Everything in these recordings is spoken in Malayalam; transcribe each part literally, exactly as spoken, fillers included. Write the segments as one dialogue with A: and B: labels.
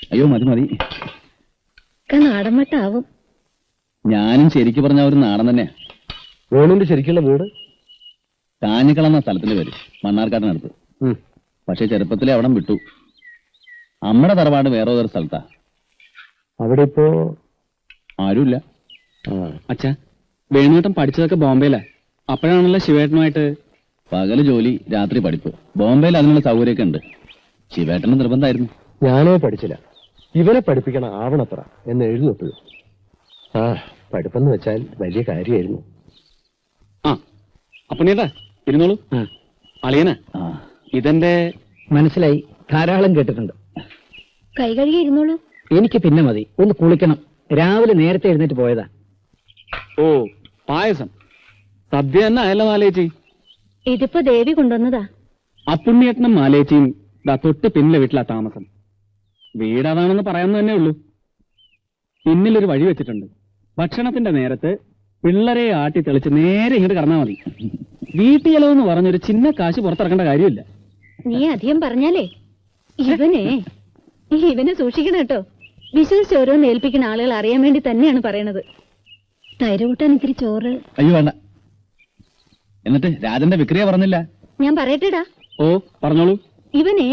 A: അയ്യോ മതി മതി.
B: നാടൻ മട്ടാവും.
A: ഞാനും ശരിക്കു പറഞ്ഞ ഒരു നാടൻ തന്നെയാ.
C: വേണുവിന്റെ ശരിക്കുള്ള വീട്
A: കാഞ്ഞിക്കളന്ന സ്ഥലത്തിൽ വരും, മണ്ണാർക്കാട്ടിനടുത്ത്. പക്ഷെ ചെറുപ്പത്തിലെ അവിടം വിട്ടു. അമ്മയുടെ തറവാട് വേറെ ഒരു സ്ഥലത്താ.
C: അവിടെ ഇപ്പോ
A: ആരുമില്ല.
D: അച്ഛാ, വേണുവേട്ടൻ പഠിച്ചതൊക്കെ ബോംബെയിലാ. അപ്പോഴാണല്ലോ ശിവേട്ടനുമായിട്ട്.
A: പകല് ജോലി, രാത്രി പഠിപ്പ്. ബോംബെയിൽ അതിനുള്ള സൗകര്യമൊക്കെ ഉണ്ട്. ശിവേട്ടന് നിർബന്ധമായിരുന്നു.
C: ഞാനോ പഠിച്ചില്ല. ഇവനെ പഠിപ്പിക്കണം ആവണത്ര എന്ന് എഴുതുന്നപ്പോഴും. ആ പഠിപ്പെന്ന് വെച്ചാൽ വലിയ കാര്യമായിരുന്നു.
D: ആ അപ്പനേട്ടാ ഇരുന്നോളൂ. അളിയനാ ഇതെന്റെ.
E: മനസ്സിലായി, ധാരാളം കേട്ടിട്ടുണ്ട്.
B: കൈ കഴുകി ഇരുന്നോളൂ.
E: എനിക്ക് പിന്നെ മതി, ഒന്ന് കുളിക്കണം. രാവിലെ നേരത്തെ എഴുന്നേറ്റ് പോയതാ.
D: ഓ പായസം സദ്യ തന്നെ ആയല്ലോ മാലേച്ചി.
B: ഇതിപ്പോ ദേവി കൊണ്ടുവന്നതാ.
D: അപ്പുണ്ണിയേട്ടനും മാലേച്ചിയും ദാ തൊട്ട് പിന്നിലെ വീട്ടിലാ താമസം. വീട് അതാണെന്ന് പറയാമെന്ന് തന്നെ ഉള്ളൂ. പിന്നിലൊരു വഴി വെച്ചിട്ടുണ്ട്. ഭക്ഷണത്തിന്റെ നേരത്ത് പിള്ളേരെ ആട്ടി തെളിച്ച് നേരെ ഇങ്ങോട്ട് കടന്നാൽ മതി. വീട്ടിൽ ചെലവെന്ന് പറഞ്ഞൊരു ചിന്ന കാശ് പുറത്തിറക്കേണ്ട കാര്യമില്ല.
B: നീ അധികം പറഞ്ഞാലേ ഇവനെ ഇവനെ സൂക്ഷിക്കണം കേട്ടോ. വിശ്വസിച്ച് ഓരോന്ന് ഏൽപ്പിക്കുന്ന ആളുകൾ അറിയാൻ വേണ്ടി തന്നെയാണ് പറയണത്. തൈര് കൂട്ടാൻ ഇത്തിരി ചോറ്.
A: അയ്യോ വേണ്ട. എന്നിട്ട് രാജന്റെ വിക്രിയ പറഞ്ഞില്ല.
B: ഞാൻ പറയട്ടെടാ.
D: ഓ പറഞ്ഞോളൂ.
B: ഇവനേ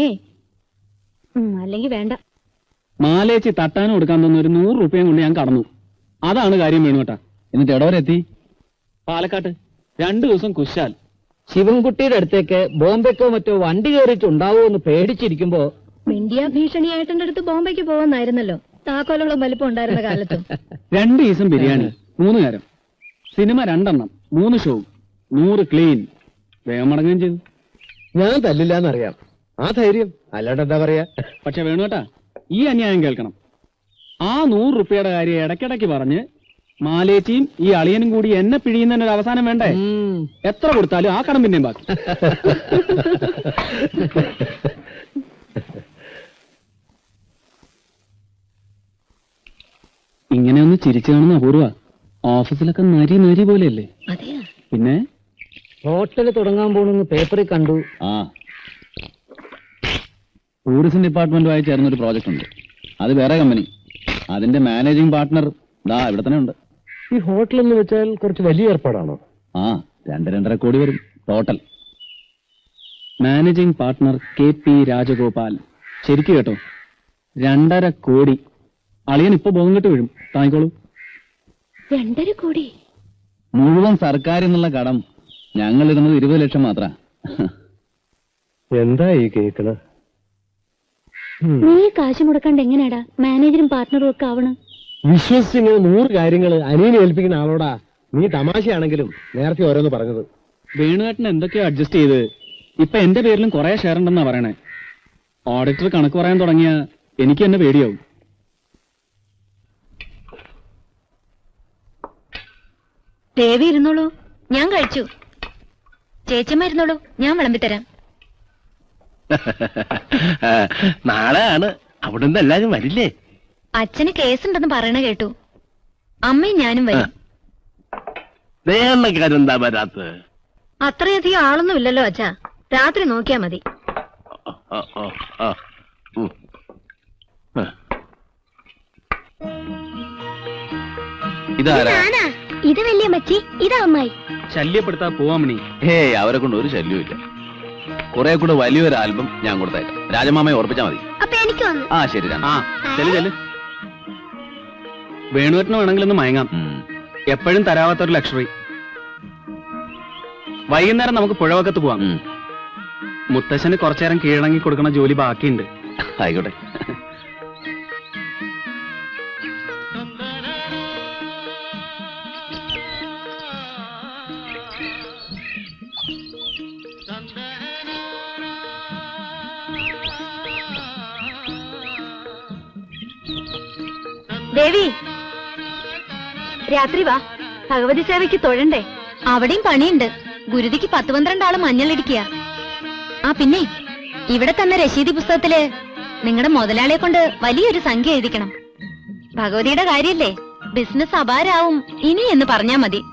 B: അല്ലെങ്കിൽ വേണ്ട.
D: മാലേച്ചി തട്ടാനും കൊടുക്കാൻ തന്ന ഒരു നൂറ് രൂപയും കൊണ്ട് ഞാൻ കടന്നു. അതാണ് കാര്യം വേണുട്ടാ.
A: എന്നിട്ട് എവിടെ വരെ എത്തി?
D: പാലക്കാട്ട് രണ്ടു ദിവസം കുശാൽ.
E: ശിവൻകുട്ടിയുടെ അടുത്തേക്ക് ബോംബെക്കോ മറ്റോ വണ്ടി കയറിയിട്ടുണ്ടാവോ എന്ന് പേടിച്ചിരിക്കുമ്പോ.
B: ഇന്ത്യ ഭീഷണിയായിട്ടെ അടുത്ത് ബോംബെക്ക് പോവാന്നായിരുന്നല്ലോ താക്കോലോളം വലിപ്പം ഉണ്ടായിരുന്ന കാലത്ത്.
D: രണ്ടു ദിവസം ബിരിയാണി, മൂന്ന് നേരം സിനിമ, രണ്ടെണ്ണം, മൂന്ന് ഷോ, നൂറ് ക്ലീൻ. വേഗം മടങ്ങുകയും ചെയ്തു.
C: ഞാൻ തല്ലില്ല എന്നറിയാം. ആ ധൈര്യം അല്ലാണ്ട് എന്താ പറയാ.
D: പക്ഷെ വേണുട്ടാ, ഈ അന്യായം കേൾക്കണം. ആ നൂറ് റുപ്യയുടെ കാര്യം ഇടയ്ക്കിടയ്ക്ക് പറഞ്ഞ് മാലേച്ചിയും ഈ അളിയനും കൂടി എന്നെ പിഴിയുന്നതിന് ഒരു അവസാനം വേണ്ടേ? എത്ര കൊടുത്താലും ആ കടം പിന്നെയും ബാക്കി. ഇങ്ങനെ ഒന്ന് ചിരിച്ചു കാണുന്ന അപൂർവ. ഓഫീസിലൊക്കെ നരി നരി പോലെയല്ലേ? പിന്നെ
E: ഹോട്ടല് തുടങ്ങാൻ പോണെന്ന് പേപ്പറിൽ കണ്ടു.
A: ആ ടൂറിസം ഡിപ്പാർട്ട്മെന്റുമായി ചേർന്നൊരു പ്രോജക്റ്റ് ഉണ്ട്. അത് വേറെ കമ്പനി. അതിന്റെ മാനേജിംഗ് പാർട്ട്ണർ ദാ ഇവിടെ തന്നെ ഉണ്ട്.
C: ഈ ഹോട്ടൽ എന്ന് വെച്ചാൽ കുറച്ച് വലിയ ഏർപ്പാടാണോ?
A: ആ രണ്ട് രണ്ടര കോടി വരും total.
D: Managing partner K P Rajagopal. ശരിക്കും കേട്ടോ, രണ്ടര കോടി. അളിയൻ ഇപ്പൊ ബോധം കെട്ട് വീഴും. താങ്ങിക്കോളൂ.
B: രണ്ടര കോടി
A: മുഴുവൻ സർക്കാർ എന്നുള്ള കടം ഞങ്ങൾ ഇടുന്നത് ഇരുപത് ലക്ഷം മാത്ര.
C: എന്താ ഈ കേക്കണ്?
B: നീ കാശ് മുടക്കാണ്ട് എങ്ങനെയാടാ മാനേജറും പാർട്ട്ണറും ഒക്കെ ആവണം?
C: വിശ്വസിച്ച് ഇങ്ങനെ നൂറ് കാര്യങ്ങൾ അനിയനെ ഏൽപ്പിക്കുന്ന ആളോടാ നീ തമാശയാണെങ്കിലും നേരത്തെ ഓരോന്ന് പറഞ്ഞത്.
D: വേണുവേട്ടൻ എന്തൊക്കെയോ അഡ്ജസ്റ്റ് ചെയ്ത് ഇപ്പൊ എന്റെ പേരിലും കുറെ ഷെയർ ഉണ്ടെന്നാ പറയണേ. ഓഡിറ്റർ കണക്ക് പറയാൻ തുടങ്ങിയ എനിക്ക് തന്നെ പേടിയാവും.
B: ദേവി ഇരുന്നോളൂ, ഞാൻ കഴിച്ചു. ചേച്ചിയമ്മ ഇരുന്നോളൂ, ഞാൻ വിളമ്പിത്തരാം.
F: നാളെ ആണ്. അവിടുന്ന് എല്ലാരും വരില്ലേ?
B: അച്ഛന് കേസുണ്ടെന്ന് പറയണ കേട്ടു. അമ്മയും ഞാനും വരും.
F: വേറെന്താ വരാത്ത?
B: അത്രയധികം ആളൊന്നും ഇല്ലല്ലോ അച്ഛാ. രാത്രി നോക്കിയാ മതി.
A: ഇതാരാ?
B: ഇത് വലിയ മച്ചി, ഇതാ അമ്മായി.
D: ശല്യപ്പെടുത്താ പോവാമണി.
A: ഏയ് അവരെ കൊണ്ട് ഒരു ശല്യവും ഇല്ല. കുറെ കൂടെ വലിയൊരു ആൽബം ഞാൻ കൊടുത്തേക്കാം. രാജമാമയെ ഓർപ്പിച്ചാ മതി.
B: അപ്പൊ എനിക്ക്
A: ആ ശരി.
D: ആ ചെല്ലു ചെല്ലു. വേണുവേട്ടന് വേണമെങ്കിലൊന്ന് മയങ്ങാം. എപ്പോഴും തരാവാത്തൊരു ലക്ഷറി. വൈകുന്നേരം നമുക്ക് പുഴവക്കത്ത് പോവാം. മുത്തശ്ശന് കുറച്ചേരം കീഴടങ്ങി കൊടുക്കണ ജോലി ബാക്കിയുണ്ട്.
A: ആയിക്കോട്ടെ.
B: ദേവി രാത്രി വാ, ഭഗവതി സേവയ്ക്ക് തൊഴണ്ടേ? അവിടെയും പണിയുണ്ട്. ഗുരുതിക്ക് പത്ത് പന്ത്രണ്ടാള് മഞ്ഞളിടിക്കുക. ആ പിന്നെ ഇവിടെ തന്നെ രശീതി പുസ്തകത്തില് നിങ്ങളുടെ മുതലാളിയെ കൊണ്ട് വലിയൊരു സംഖ്യ എഴുതിക്കണം. ഭഗവതിയുടെ കാര്യല്ലേ, ബിസിനസ് അപാരാവും ഇനി എന്ന് പറഞ്ഞാ മതി.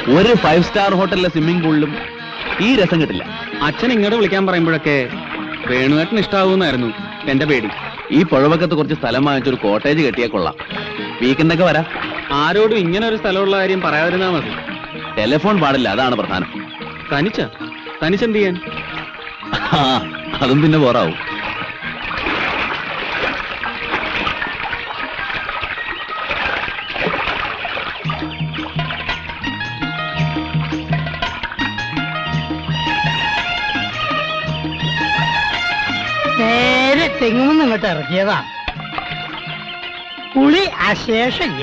A: ഒരു ഫൈവ് സ്റ്റാർ ഹോട്ടലിലെ സ്വിമ്മിംഗ് പൂളിലും ഈ രസം കിട്ടില്ല.
D: അച്ഛൻ ഇങ്ങോട്ട് വിളിക്കാൻ പറയുമ്പോഴൊക്കെ വേണുവേട്ടന് ഇഷ്ടാവൂന്നായിരുന്നു എന്റെ പേടി.
A: ഈ പുഴവക്കത്ത് കുറച്ച് സ്ഥലം വാങ്ങിച്ചൊരു കോട്ടേജ് കെട്ടിയാൽ കൊള്ളാം. വീക്കെൻഡൊക്കെ വരാം.
D: ആരോടും ഇങ്ങനെ ഒരു സ്ഥലമുള്ള കാര്യം പറയാതിരുന്നാ മതി.
A: ടെലിഫോൺ പാടില്ല, അതാണ് പ്രധാനം.
D: തനിച്ച തനിച്ചെന്ത് ചെയ്യാൻ?
A: ആ, അതും പിന്നെ പോറാവും.
G: നേരെ തെങ്ങുമെന്ന് ഇങ്ങോട്ട് ഇറക്കിയതാ. പുളി അശേഷമില്ല.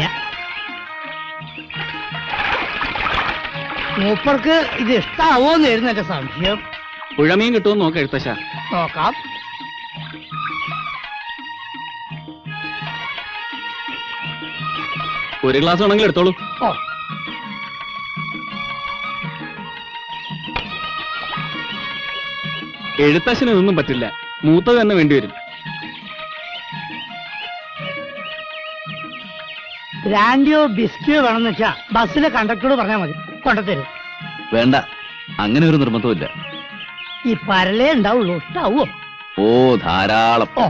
G: മൂപ്പർക്ക് ഇത് ഇഷ്ടാവോന്നായിരുന്നു എന്റെ സംശയം.
D: പുഴമീൻ കിട്ടുമെന്ന് നോക്കാം എഴുത്തശ്ശ.
G: നോക്കാം.
D: ഒരു ഗ്ലാസ് വേണമെങ്കിൽ എടുത്തോളൂ.
G: ഓ,
D: എഴുത്തശ്ശന് ഇതൊന്നും പറ്റില്ല, മൂത്തത് തന്നെ വേണ്ടിവരും.
G: ബ്രാൻഡിയോ ബിസ്കിയോ വേണമെന്ന് വെച്ചാ ബസ്സിലെ കണ്ടക്ടറോട് പറഞ്ഞാൽ മതി, കൊണ്ടുതരും.
A: വേണ്ട, അങ്ങനെ ഒരു നിർബന്ധമില്ല.
G: ഈ പരലേ ഉണ്ടാവുള്ളൂ. ഇഷ്ടാവോ?
A: ഓ, ധാരാളം.
G: ഓ,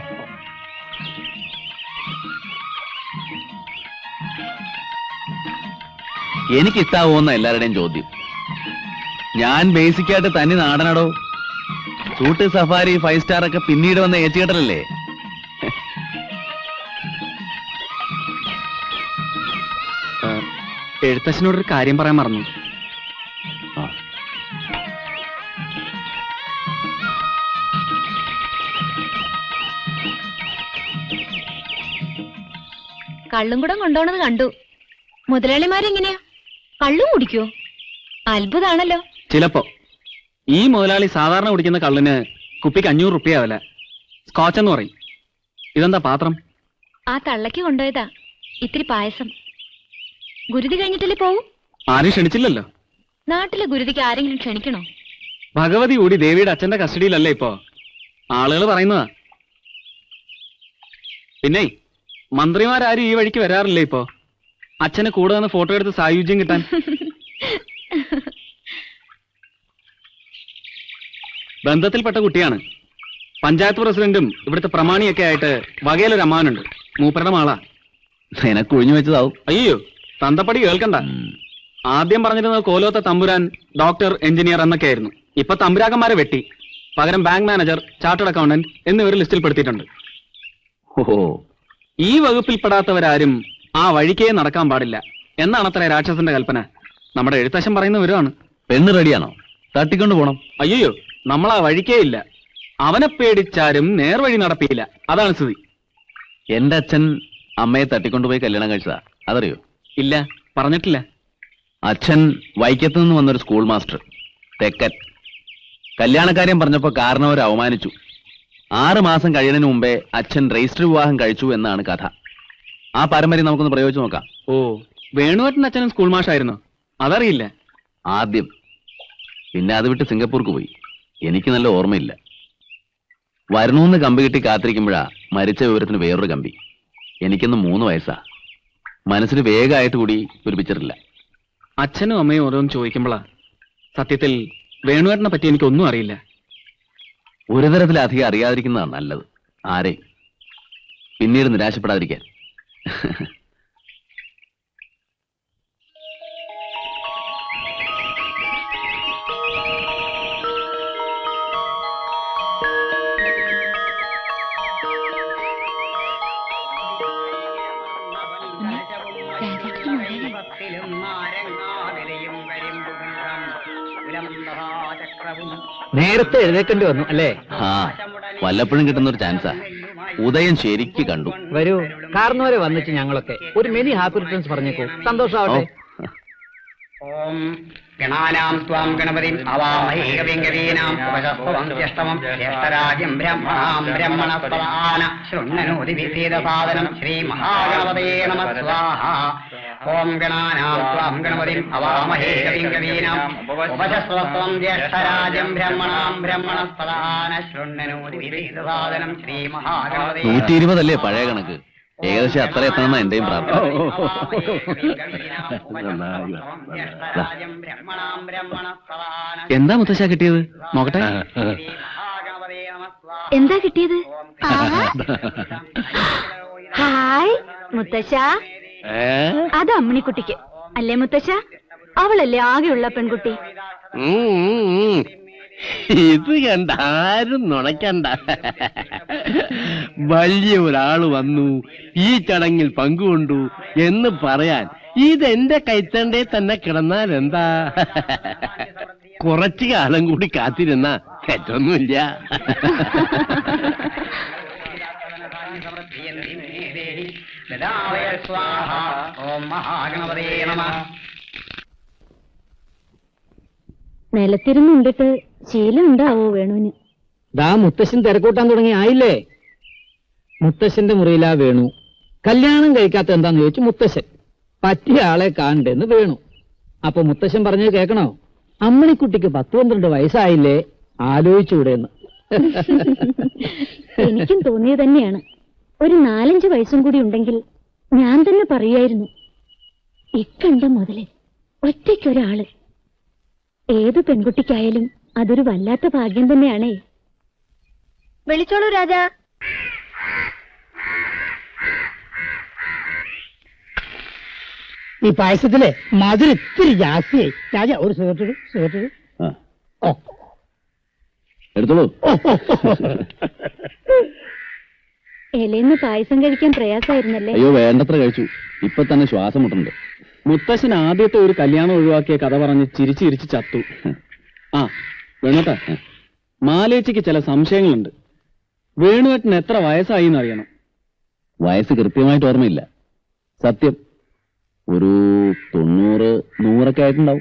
A: എനിക്ക് ഇഷ്ടാവോന്ന എല്ലാവരുടെയും ചോദ്യം. ഞാൻ ബേസിക്കായിട്ട് തനി നാടനടോ. സൂട്ട്, സഫാരി, ഫൈവ് സ്റ്റാർ ഒക്കെ പിന്നീട് വന്ന ഏറ്റുകെട്ടലല്ലേ.
D: എഴുത്തച്ഛനോടൊരു കാര്യം പറയാൻ മറന്നു.
B: കള്ളും കൂടെ കൊണ്ടുപോണത് കണ്ടു. മുതലാളിമാരെങ്ങനെയാ, കള്ളും കുടിക്കോ? അത്ഭുതാണല്ലോ.
D: ചിലപ്പോ. ഈ മുതലാളി സാധാരണ കുടിക്കുന്ന കള്ളിന് കുപ്പിക്ക് അഞ്ഞൂറ് റുപ്യ വില. സ്കോച്ച് എന്ന് പറയും. ഇതെന്താ പാത്രം?
B: ആ തള്ളക്ക് കൊണ്ടുപോയതാ. ഇത്തിരി പായസം. ഗുരുതി കഴിഞ്ഞിട്ടല്ലേ പോവും?
D: ആരും ക്ഷണിച്ചില്ലല്ലോ.
B: നാട്ടിലെ ഗുരുതിക്ക് ആരെങ്കിലും ക്ഷണിക്കണോ?
D: ഭഗവതി കൂടി ദേവിയുടെ അച്ഛന്റെ കസ്റ്റഡിയിലല്ലേ ഇപ്പോ. ആളുകൾ പറയുന്നതാ. പിന്നെ മന്ത്രിമാരാരും ഈ വഴിക്ക് വരാറില്ലേ ഇപ്പോ? അച്ഛന് കൂടെ വന്ന് ഫോട്ടോ എടുത്ത് സായുജ്യം കിട്ടാൻ. ബന്ധത്തിൽപ്പെട്ട കുട്ടിയാണ്. പഞ്ചായത്ത് പ്രസിഡന്റും ഇവിടുത്തെ പ്രമാണിയൊക്കെ ആയിട്ട് വകയിലൊരു അമ്മാനുണ്ട്. മൂപ്പരുടെ മാളാ.
A: നിനക്ക് ഒഴിഞ്ഞു വെച്ചതാവും.
D: അയ്യോ, തന്തപ്പടി കേൾക്കണ്ട. ആദ്യം പറഞ്ഞിരുന്നത് കോലോത്ത തമ്പുരാൻ, ഡോക്ടർ, എഞ്ചിനീയർ എന്നൊക്കെ ആയിരുന്നു. ഇപ്പൊ തമ്പുരാക്കന്മാരെ വെട്ടി പകരം ബാങ്ക് മാനേജർ, ചാർട്ടേഡ് അക്കൗണ്ടന്റ് എന്നിവർ ലിസ്റ്റിൽ പെടുത്തിയിട്ടുണ്ട്.
A: ഓഹോ,
D: ഈ വകുപ്പിൽപ്പെടാത്തവരാരും ആ വഴിക്കേ നടക്കാൻ പാടില്ല എന്നാണ് അത്ര രാക്ഷസന്റെ കൽപ്പന. നമ്മുടെ എഴുത്തച്ഛൻ പറയുന്ന വിവരമാണ്.
A: പെണ്ണ് റെഡിയാണോ? തട്ടിക്കൊണ്ട് പോണം.
D: അയ്യോ, നമ്മൾ ആ വഴിക്കേ ഇല്ല. അവനെ പേടിച്ചാരും നേർവഴി നടപ്പിയില്ല. അതാണ് സ്ഥിതി.
A: എന്റെ അച്ഛൻ അമ്മയെ തട്ടിക്കൊണ്ടുപോയി കല്യാണം കഴിച്ചതാ, അതറിയോ?
D: ഇല്ല, പറഞ്ഞിട്ടില്ല.
A: അച്ഛൻ വൈക്കത്ത് നിന്ന് വന്നൊരു സ്കൂൾ മാസ്റ്റർ, തെക്കൻ. കല്യാണക്കാര്യം പറഞ്ഞപ്പോ കാരണവരെ അവമാനിച്ചു. ആറ് മാസം കഴിയുന്നതിന് മുമ്പേ അച്ഛൻ രജിസ്റ്റർ വിവാഹം കഴിച്ചു എന്നാണ് കഥ. ആ പാരമ്പര്യം നമുക്കൊന്ന് പ്രയോഗിച്ചു നോക്കാം.
D: ഓ, വേണുവേട്ടൻ അച്ഛനും സ്കൂൾ മാഷായിരുന്നു? അതറിയില്ല.
A: ആദ്യം. പിന്നെ അത് വിട്ട് സിംഗപ്പൂർക്ക് പോയി. എനിക്ക് നല്ല ഓർമ്മയില്ല. വരണൂന്ന് കമ്പി കിട്ടി കാത്തിരിക്കുമ്പോഴാ മരിച്ച വിവരത്തിന് വേറൊരു കമ്പി. എനിക്കൊന്ന് മൂന്ന് വയസ്സാ. മനസ്സിന് വേഗമായിട്ട് കൂടി ഒരു പിക്ചറില്ല.
D: അച്ഛനും അമ്മയും ഓരോന്ന് ചോദിക്കുമ്പോഴാ സത്യത്തിൽ വേണുവേട്ടനെ പറ്റി എനിക്കൊന്നും അറിയില്ല.
A: ഒരു തരത്തിലധികം അറിയാതിരിക്കുന്നതാണ് നല്ലത്. ആരെയും പിന്നീട് നിരാശപ്പെടാതിരിക്കാൻ.
E: നേരത്തെ എഴുന്നേക്കേണ്ടി വന്നു അല്ലേ?
A: ആ, വല്ലപ്പോഴും കിട്ടുന്ന ഒരു ചാൻസാ. ഉദയം ശരിക്ക് കണ്ടു.
E: വരൂ, കാർന്നവരെ വന്നിട്ട് ഞങ്ങളൊക്കെ ഒരു മിനി ഹാപ്പി റിട്ടേൺസ് പറഞ്ഞേക്കൂ. സന്തോഷാവട്ടെ.
H: ഓം ഗണാനാം ത്വാം ഗണപതിം അവാമഹേ കവിം കവീനാം ഉപശസ്തവം ജ്യേഷ്ഠമം ജ്യേഷ്ഠരാജ്യം ബ്രഹ്മണാം ബ്രഹ്മണസ്പദാന ശൃണ്വനോതി വിസീദസാദനം ശ്രീ മഹാഗണപതേ നമഃ സ്വാഹ. ഓം ഗണാനാം ത്വാം ഗണപതിം അവാമഹേ കവിം കവീനാം ഉപശസ്തവം ജ്യേഷ്ഠരാജ്യം ബ്രഹ്മണാം ബ്രഹ്മണസ്പദാന ശൃണ്വനോതി വിസീദസാദനം ശ്രീ മഹാഗണപതേ.
A: നൂറ്റി ഇരുപതല്ലേ പഴയ കണക്ക്? ഏകദേശം അത്ര എത്തണമെന്ന എന്റെയും പ്രാർത്ഥന. എന്താ മുത്തശ്ശ കിട്ടിയത് നോക്കട്ടെ.
B: എന്താ കിട്ടിയത്? ഹായ് മുത്തശ്ശ, അത് അമ്മിണിക്കുട്ടിക്ക് അല്ലേ മുത്തശ്ശ? അവളല്ലേ ആകെയുള്ള പെൺകുട്ടി.
F: ഇത് കണ്ട ആരും നുണയ്ക്കണ്ട. വലിയ ഒരാള് വന്നു ഈ ചടങ്ങിൽ പങ്കുകൊണ്ടു എന്ന് പറയാൻ ഇതെന്റെ കൈത്തണ്ടേ തന്നെ കിടന്നാൽ എന്താ? കുറച്ചു കാലം കൂടി കാത്തിരുന്ന തെറ്റൊന്നുമില്ല.
B: നിലത്തിരുന്നുണ്ടിട്ട് ശീലം ഉണ്ടാവോ വേണുവിന്?
E: ദാ മുത്തശ്ശൻ തിരക്കൂട്ടാൻ തുടങ്ങി ആയില്ലേ? മുത്തശ്ശന്റെ മുറിയിലാ വേണു. കല്യാണം കഴിക്കാത്ത എന്താന്ന് ചോദിച്ചു മുത്തശ്ശൻ. പറ്റിയ ആളെ കാണണ്ടെന്ന് വേണു. അപ്പൊ മുത്തശ്ശൻ പറഞ്ഞത് കേൾക്കണോ? അമ്മണിക്കുട്ടിക്ക് പത്ത് പന്ത്രണ്ട് വയസ്സായില്ലേ, ആലോചിച്ചൂടെന്ന്.
B: എനിക്കും തോന്നിയത് തന്നെയാണ്. ഒരു നാലഞ്ച് വയസ്സും കൂടി ഉണ്ടെങ്കിൽ ഞാൻ തന്നെ പറയായിരുന്നു. ഇക്കണ്ട മുതല് ഒറ്റയ്ക്കൊരാള്. ഏത് പെൺകുട്ടിക്കായാലും അതൊരു വല്ലാത്ത ഭാഗ്യം തന്നെയാണേ. വിളിച്ചോളൂ രാജാ.
G: ഈ പായസത്തിലെ മധുരം ഇത്തിരി ജാസ്തിയായി. രാജ ഒരു സുഹൃത്തു സുഹൃത്തു
A: ആ,
G: ഓ
A: എടുത്തോളൂ.
B: ഇലയിന്ന് പായസം കഴിക്കാൻ പ്രയാസമായിരുന്നല്ലേ?
A: അയ്യോ വേണ്ടത്ര കഴിച്ചു. ഇപ്പൊ തന്നെ ശ്വാസം മുട്ടുണ്ട്.
D: മുത്തശ്ശൻ ആദ്യത്തെ ഒരു കല്യാണം ഒഴിവാക്കിയ കഥ പറഞ്ഞ് ചിരിച്ച് ചിരിച്ച് ചത്തു. ആ വേണുട്ടാ, മാലേച്ചിക്ക് ചില സംശയങ്ങളുണ്ട്. വേണുവേട്ടന് എത്ര വയസ്സായി എന്നറിയണം.
A: വയസ്സ് കൃത്യമായിട്ട് ഓർമ്മയില്ല. സത്യം ഒരു തൊണ്ണൂറ് നൂറൊക്കെ ആയിട്ടുണ്ടാവും.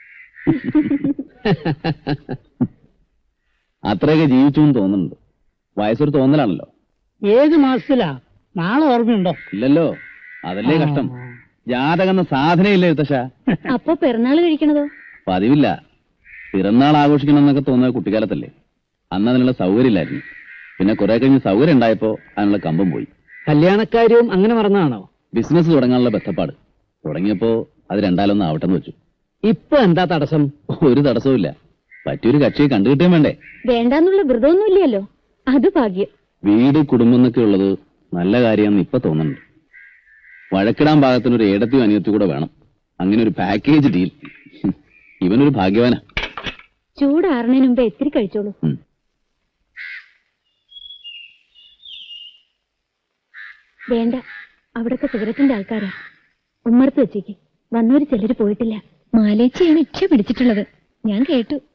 A: അത്രയൊക്കെ ജീവിച്ചു എന്ന് തോന്നുന്നുണ്ട്. വയസ്സൊരു തോന്നലാണല്ലോ.
G: ഏത് മാസത്തിലാ? നാളെ ഓർമ്മയുണ്ടോ?
A: ഇല്ലല്ലോ, അതല്ലേ കഷ്ടം. ജാതകം സാധനയില്ല എഴുത്തശ.
B: അപ്പൊ പിറന്നാള് കഴിക്കണതോ?
A: പതിവില്ല. പിറന്നാൾ ആഘോഷിക്കണം എന്നൊക്കെ തോന്നുന്നത് കുട്ടിക്കാലത്തല്ലേ. അന്ന് അതിനുള്ള സൗകര്യം ഇല്ലായിരുന്നു. പിന്നെ കുറെ കഴിഞ്ഞ് സൗകര്യം ഉണ്ടായപ്പോ അതിനുള്ള കമ്പം പോയി.
E: കല്യാണക്കാര്യവും അങ്ങനെ മറന്നാണോ?
A: ബിസിനസ് തുടങ്ങാനുള്ള ബന്ധപ്പാട് തുടങ്ങിയപ്പോ അത് രണ്ടാലൊന്നും ആവട്ടെന്ന് വെച്ചു.
E: ഇപ്പൊ എന്താ തടസ്സം?
A: ഒരു തടസ്സവും ഇല്ല. പറ്റിയൊരു കക്ഷിയെ കണ്ടുകിട്ടാൻ വേണ്ടേ?
B: വേണ്ടാന്നുള്ള വ്രതമൊന്നുമില്ലല്ലോ, അത് ഭാഗ്യം.
A: വീട് കുടുംബം എന്നൊക്കെ ഉള്ളത് നല്ല കാര്യമെന്ന് ഇപ്പൊ തോന്നുന്നുണ്ട്. വഴക്കിടാൻ പാകത്തിനൊരു ഏടത്തിയും അനിയത്തി കൂടെ വേണം. അങ്ങനെ ഒരു പാക്കേജ് ഡീൽ. ഇവനൊരു ഭാഗ്യവാനാ.
B: ചൂടാറുന്നതിന് മുമ്പ് എത്തിരി കഴിച്ചോളൂ.
A: ഉം.
B: വേണ്ട, അവിടൊക്കെ സിഗരറ്റിന്റെ ആൾക്കാരാ. ഉമ്മർത്ത് വെച്ചേക്ക്. വന്നവര് ചിലര് പോയിട്ടില്ല. മാലേച്ചിയാണ് ഇച്ഛ പിടിച്ചിട്ടുള്ളത്, ഞാൻ കേട്ടു.